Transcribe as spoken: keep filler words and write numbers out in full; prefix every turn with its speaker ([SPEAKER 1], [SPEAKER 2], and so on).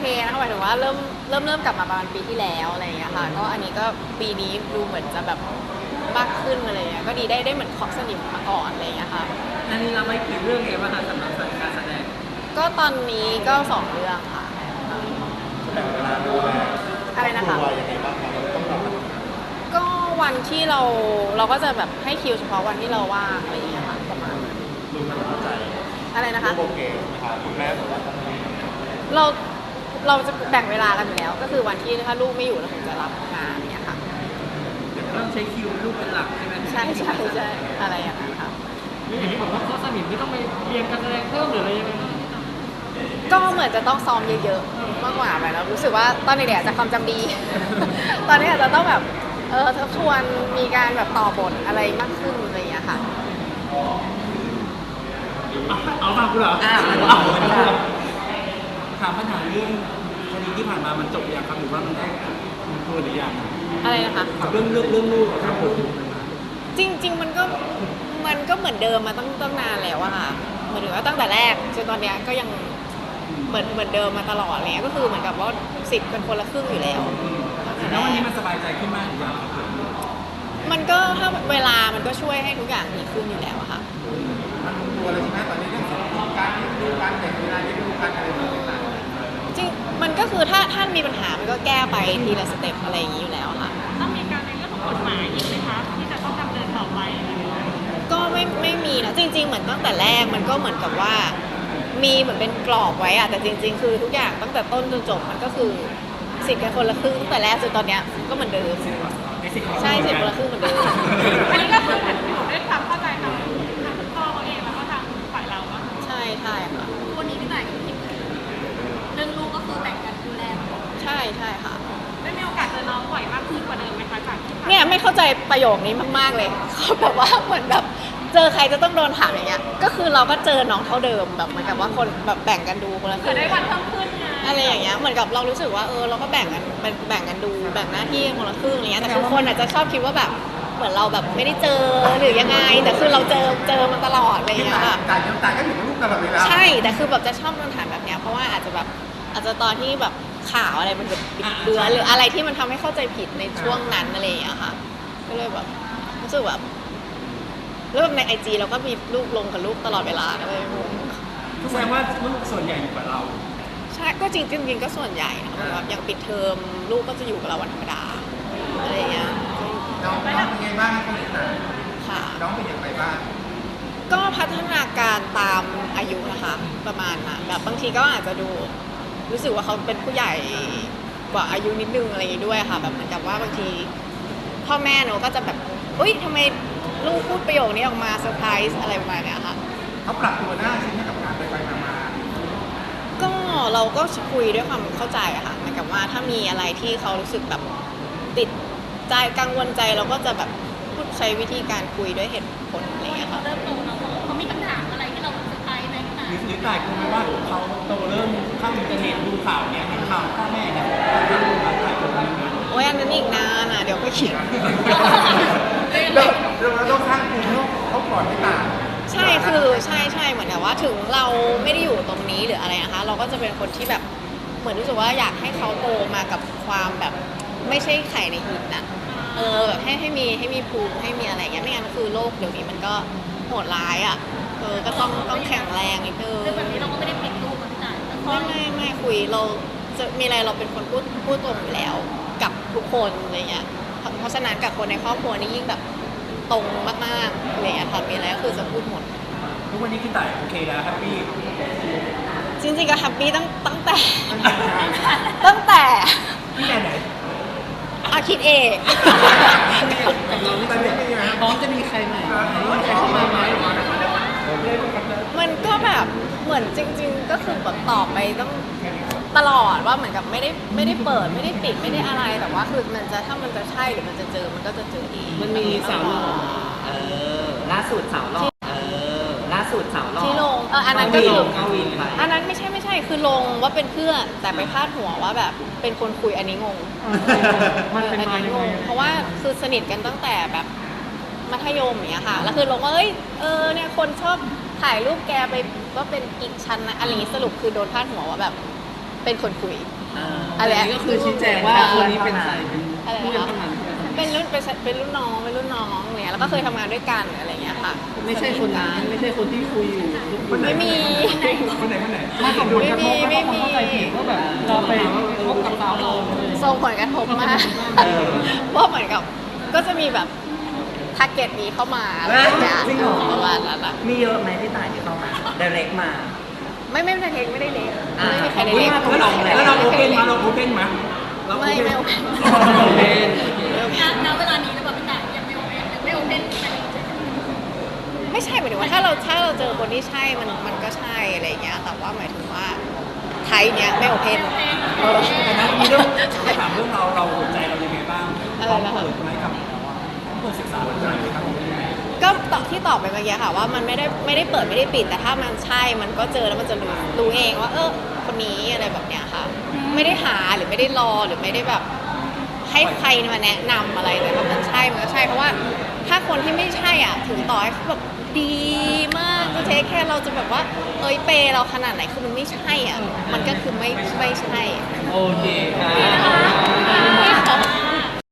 [SPEAKER 1] เคนะคะหมายถึงว่าเริ่มเริ่มเริ่มกลับมาประมาณปีที่แล้วอะไรอย่างเงี้ยค่ะก็อันนี้ก็ปีนี้ดูเหมือนจะแบบมากขึ้นอะไรเงี้ยก็ดีได้ได้เหมือนเคาะสนิมมาก่อนอะไรอย่างเงี้ยค่ะ
[SPEAKER 2] อันนี้เราไม่กี่เรื่องเองว่าสำหรับสายการแสดง
[SPEAKER 1] ก็ตอนนี้ก็สองเรื่องค่ะ
[SPEAKER 3] แบ่งเวลาดูแล
[SPEAKER 1] อะไรนะคะ
[SPEAKER 3] ครอบครัวยังไงบ้างครับเราต้องแบบ
[SPEAKER 1] ก็วันที่เราเราก็จะแบบให้คิวเฉพาะวันที่เราว่างอะไรอย่างเงี้ยค่ะประมาณนั้น
[SPEAKER 3] ดูมันเข้าใจ
[SPEAKER 1] อะไรนะคะ
[SPEAKER 3] โอเคนะครับคุณแม่บอกว่าต้องมี
[SPEAKER 1] เราเราจะแบ่งเวลากันอยู่แล้ว ก็คือวันที่ถ้าลูกไม่อยู่เราถึงจะรับงานเนี่ยค่ะ
[SPEAKER 2] เริ่มใช้คิวลูกเป็นหลักใช่ไหม
[SPEAKER 1] ใช่ใช่ใช่อะไรอย่างนั้นค่ะ
[SPEAKER 2] อย่างที่บอกว่าข้อสนิมไม่ต้องไปเรียนการแสดงเพิ่มหรืออะไรยังไง
[SPEAKER 1] ก็เหมือนจะต้องซ้อมเยอะๆมากกว่าไปแล้วรู้สึกว่าตอนเด็กๆอาจจะความจำดี ตอนนี้อาจจะต้องแบบเออทบทวนมีการแบบต่อบทอะไรมากขึ้นอะไรอย่างเงี้ยค่ะ
[SPEAKER 2] เอาฟังกูเหรอ
[SPEAKER 4] อ่า
[SPEAKER 2] เอาถามปัญหาเรื่องคดีที่ผ่านมามันจบอย่างครับหรือว่ามันได้มันตัวหรือยัง
[SPEAKER 1] อะไรนะคะ
[SPEAKER 2] เรื่องเรื่องเรื่องลูกครับผม
[SPEAKER 1] จริงๆมันก็มันก็เหมือนเดิมมาตั้งตั้งนานแล้วอะค่ะเหมือนถึงว่าตั้งแต่แรกจนตอนเนี้ยก็ยังเหมือนเหมือนเดิมมาตลอดอะไรเงี้ยก็คือเหมือนกับว่าสิทธิ์เป็นคนละครึ่งอยู่แล้ว
[SPEAKER 2] แล้ววันนี้มันสบายใจขึ้นมากหรือยังครับผม
[SPEAKER 1] มันก็ถ้าเวลามันก็ช่วยให้ทุกอย่างดีขึ้นอยู่แล้วอะค่ะ
[SPEAKER 3] มันตัวเลยใช่ไหมตอนนี้เรื่องของการเลี้ยงดูการแบ่งเวลาเลี้ยงดูการอะไรต่างๆ
[SPEAKER 1] จริงมันก็คือถ้าถ้ามีปัญหามันก็แก้ไปทีละสเต็ปอะไรอย่างนี้อยู่แล้วค่ะ
[SPEAKER 5] ต้องมีการในเรื่องของกฎหมายอีกไหมคะที่จะต้องดำเนินต่อไปอะไรอย่างเงี้ย
[SPEAKER 1] ก็ไม่ไม่มีนะจริง ๆ เหมือนตั้งแต่แรกมันก็เหมือนกับว่า มีเหมือนเป็นกรอบไว้อะแต่จริง ๆ คือทุกอย่างตั้งแต่ต้นจนจบมันก็คือสิทธิ์กันคนละครึ่งตั้งแต่แรกจนตอนเนี้ยก็เหมือนเดิมใช่สิทธิ์คนละครึ่งเหมือนเดิม
[SPEAKER 5] อันนี้ก็คือเหมือนด้วยความเข้าใจทางทางคุณพ่อเขาเองแล้วก็ทางฝ่ายเราอะ
[SPEAKER 1] ใช่ใช่ค่ะ
[SPEAKER 5] วันนี้พี่ต่ายกับพี่เรื่องลูกก็คือแบ่งกันดูแล
[SPEAKER 1] ใช่ใช่ค่ะ
[SPEAKER 5] ได้มีโอกาสเจอน้องบ่อยมากขึ้นกว่าเดิมไหมคะจากที่ผ่าน
[SPEAKER 1] เนี่ยไม่เข้าใจประโยคนี้มากๆเลยเขาแบบว่าเหมือนแบบเจอใครจะต้องโดนถามอย่างเงี้ยก็คือเราก็เจอน้องเท่าเดิมแบบเหมือนกับว่าคนแบบแบ่งกันดูคนละค
[SPEAKER 5] เกิ
[SPEAKER 1] รึ่
[SPEAKER 5] ด
[SPEAKER 1] ง
[SPEAKER 5] ได้วันเพิ่มขึ้นไง
[SPEAKER 1] อะไรอย่างเงี้ยเหมือนกับเรารู้สึกว่าเออเราก็แบ่งกันแบ่งแบ่งกันดูแบ่งหน้าที่คนละครึ่งอะไรเงี้ยแต่คือคนอาจจะชอบคิดว่าแบบเหมือนเราแบบไม่ได้เจอหรือยังไง แต่คือเราเจอเจอมันตลอดอะไรอย่างเงี้ยค่ะ
[SPEAKER 3] ต่างยังต่างก็อยู่กับลูกตลอดเวลา
[SPEAKER 1] ใช่แต่คือแบบจะชอบโดนถามแบบเนี้ยเพราะว่าอาจจะแบบอาจจะตอนที่แบบข่าวอะไรมันแบบบิดเบือนหรืออะไรที่มันทำให้เข้าใจผิดในช่วงนั้นอะไรอย่างเงี้ยค่ะก็เลยแบบรู้สึกแบบแล้วแบบในไอจีเราก็มีรูปลงกับลูกตลอดเวลาเลยงง
[SPEAKER 2] แสดงว่าลูกส่วนใหญ่อยู่กับเรา
[SPEAKER 1] ใช่ก็จริงจริงๆก็ส่วนใหญ่นะคะแบบอย่างปิดเทอมลูกก็จะอยู่กับเราวันธรรมดาอะไรอย่างเงี้ย
[SPEAKER 3] น้องน้องเป็นไงบ้างคนนี้นะ
[SPEAKER 1] ค่ะ
[SPEAKER 3] น้องเป็นอย่างไรบ้าง
[SPEAKER 1] ก็พัฒนาการตามอายุนะคะประมาณนั้นแบบบางทีก็อาจจะดูรู้สึกว่าเขาเป็นผู้ใหญ่กว่าอายุนิดนึงอะไรอย่างงี้ด้วยค่ะแบบเหมือนกับว่าบางทีพ่อแม่เนอะก็จะแบบอุ้ยทำไมลูกพูดประโยคนี้ออกมาเซอร์ไพรส์อะไรประมาณเนี้ยค่ะ
[SPEAKER 3] เขาปรับตัวได้ใช่ไหมกับการไปไปมามา
[SPEAKER 1] ก็เราก็คุยด้วยความเข้าใจอะค่ะเหมือนกับว่าถ้ามีอะไรที่เขารู้สึกแบบติดใจกังวลใจเราก็จะแบบพูดใช้วิธีการคุยด้วยเหตุผลอะไรอย่างเงี้ย
[SPEAKER 5] เขา
[SPEAKER 1] ค่ะ
[SPEAKER 5] เริ่มโตแล้วเขามีคำถามอะไรที่เราเซอร์ไพรส์ไหมพี่ต่าย
[SPEAKER 2] หรือหรือต่ายกลัวไหมว่าเขาโตเริ่มเข้าอินเทอร์เน็ตดูข่าวเนี้ยเห็นข่าวพ่อแม่เนี่ยต่ายกลัวไหม
[SPEAKER 1] โอ้ยอันนั้นอีกนานอ่ะเดี๋ยวก็คิด
[SPEAKER 3] เราเราต้องสร้างภูมิเขาเขาก่อนไม่ต่าง
[SPEAKER 1] ใช่คือใช่ใช่เหมือนกับว่าถึงเราไม่ได้อยู่ตรงนี้หรืออะไรนะคะ เราก็จะเป็นคนที่แบบเหมือนรู้สึกว่าอยากให้เขาโตมากับความแบบไม่ใช่ไข่ในหินน่ะเออแบบให้ให้มีให้มีภูมิให้มีอะไรเงี้ยไม่งั้นคือโลกเดี๋ยวนี้มันก็โหดร้ายอ่ะเออก็ต้องต้องแข็งแรงนิดนึง
[SPEAKER 5] เรื่องแบบนี้เราก็ไม่ได้ปิดลูกกับพี่ต่ายแต่พ่อ
[SPEAKER 1] ไม่ไม่ไม่คุยเราจะมีอะไรเราเป็นคนพูดพูดตรงอยู่แล้ว กับทุกคนอะไรเงี้ยเพราะเพราะฉะนั้นกับคนในครอบครัวนี่ยิ่งแบบตรงมากๆอะไรเงี้ยค่ะมีอะไรก็คือจะพูดหมด
[SPEAKER 2] ทุกวันนี้พี่ต่ายโอเคแล้วแฮปปี้
[SPEAKER 1] จริงๆก็แฮปปี้ตั้งตั้งแต่ ตั้งแต่
[SPEAKER 2] พี่ไหนไหน
[SPEAKER 1] อาคิดเอง
[SPEAKER 3] กับน้องตอนนี้เป็นยังไง
[SPEAKER 2] พร้อมจะมีใครใหม่ไหมใครเข้ามาไหม
[SPEAKER 1] มันก็แบบเหมือนจริง ๆ ก็คือแบบตอบไปต้องตลอดว่าเหมือนกับไม่ได้ไม่ได้เปิดไม่ได้ปิดไม่ได้อะไรแต่ว่าคือมันจะถ้ามันจะใช่หรือมันจะเจอมันก็จะเจอเอง
[SPEAKER 2] มันมีสาวหล่อ
[SPEAKER 4] เออ ล่าสุดสาวหล่อเออ ล่าสุดสาวหล่อ
[SPEAKER 1] ที่ลงเอออันนั้นก็คือ
[SPEAKER 4] เอาวินไป
[SPEAKER 1] อันนั้นไม่ใช่ไม่ใช่คือลงว่าเป็นเพื่อนแต่ไปพาดหัวว่าแบบเป็นคนคุยอันนี้งง
[SPEAKER 2] มันเป็น
[SPEAKER 1] อัน
[SPEAKER 2] มา
[SPEAKER 1] นี้
[SPEAKER 2] ยัง
[SPEAKER 1] ง
[SPEAKER 2] ไง
[SPEAKER 1] งเพราะว่าคือสนิทกันตั้งแต่แบบมัธยมอย่างเงี้ยค่ะแล้วคือลงว่าเอ้ยเออเนี่ยคนชอบถ่ายรูปแกไปว่าเป็นอีกชั้นนะอะไรอย่างงี้สรุปคือโดนพาดหัวว่าแบบเป็นคนคุย
[SPEAKER 4] เออ
[SPEAKER 1] อะไร
[SPEAKER 2] อันนี้ก็คือชี้แจงว่าคนนี้เป็นใครเป็น
[SPEAKER 1] อะไร
[SPEAKER 2] ผู้
[SPEAKER 1] นะ
[SPEAKER 2] เล่น
[SPEAKER 1] คะ
[SPEAKER 2] ทำงาน
[SPEAKER 1] เป็นรุ่นเป็นเป็นรุ่นน้องเป็นรุ่นน้องเนี่ยแล้วก็เคยทำงานด้วยกันอะไรเงี้ยค่ะ
[SPEAKER 2] ไม่ใช่คนนั้นไม่ใช่คนที่คุยอยู่
[SPEAKER 1] ไม่มี
[SPEAKER 3] คนไหนคนไหน
[SPEAKER 2] มาส่งผลกระทบ
[SPEAKER 1] ไม่มี
[SPEAKER 2] แล้วก็คนเข้าใจผิดว่าแบบเราไปพบกับสาวเรา
[SPEAKER 1] ส่งผลกระทบมาก
[SPEAKER 4] เออ
[SPEAKER 1] ว่าเหมือนกับก็จะมีแบบทาร์เก็ตนี้เข้ามาอะไรอย่างเงี้ย
[SPEAKER 4] จริงเหรอ
[SPEAKER 1] ประมาณนั้นอะ
[SPEAKER 4] มีเยอะไหมพี่ต่ายที่เข้ามาเดเร็กมา
[SPEAKER 1] ไม่ไม่ได้เทคไม่ได้เล็ก
[SPEAKER 4] อ่า
[SPEAKER 1] ไม่มีใครได้
[SPEAKER 2] อุ๊ย
[SPEAKER 1] เล็ก
[SPEAKER 2] แล้วเราแล้วเราโอเพนมาเราโอเพนมาเรา
[SPEAKER 1] ไม่ไม่โอเค
[SPEAKER 2] โอเพน
[SPEAKER 5] ณเวลานี้หรือเปล่าพี่ต่ายยังไม่โอเคยังไม่โอเคไป
[SPEAKER 1] ไม่ใช่หมายถึงว่าถ้าเราถ้าเราเจอคนที่ใช่มันมันก็ใช่อะไรอย่างเงี้ยแต่ว่าหมายถึงว่าไทยเนี้ยไม่โอเพน
[SPEAKER 2] แต่นะมีเรื่องถ้าถามเรื่องเราเราหัวใจเรายังไงบ้าง
[SPEAKER 1] อะไร
[SPEAKER 2] ต้อง
[SPEAKER 1] นะคะ
[SPEAKER 2] เปิดไหมกับเปิดศึกษาหัวใจไหมครับ
[SPEAKER 1] ก็ตอบที่ตอบไปเมื่อกี้ค่ะว่ามันไม่ได้ไม่ได้เปิดไม่ได้ปิดแต่ถ้ามันใช่มันก็เจอแล้วมันจะรู้รู้เองว่าเออคนนี้อะไรแบบเนี้ยค่ะ ไม่ได้หาหรือไม่ได้รอหรือไม่ได้แบบให้ใครมาแนะนำอะไรแต่ถ้ามันใช่มันก็ใช่เพราะว่าถ้าคนที่ไม่ใช่อ่ะถึงต่อให้เขาแบบดีมากจะเทคแค่เราจะแบบว่าเอ้ยเปย์เราขนาดไหนคือมันไม่ใช่อ่ะมันก็คือไม่ไม่ใช่
[SPEAKER 2] โอเคครับ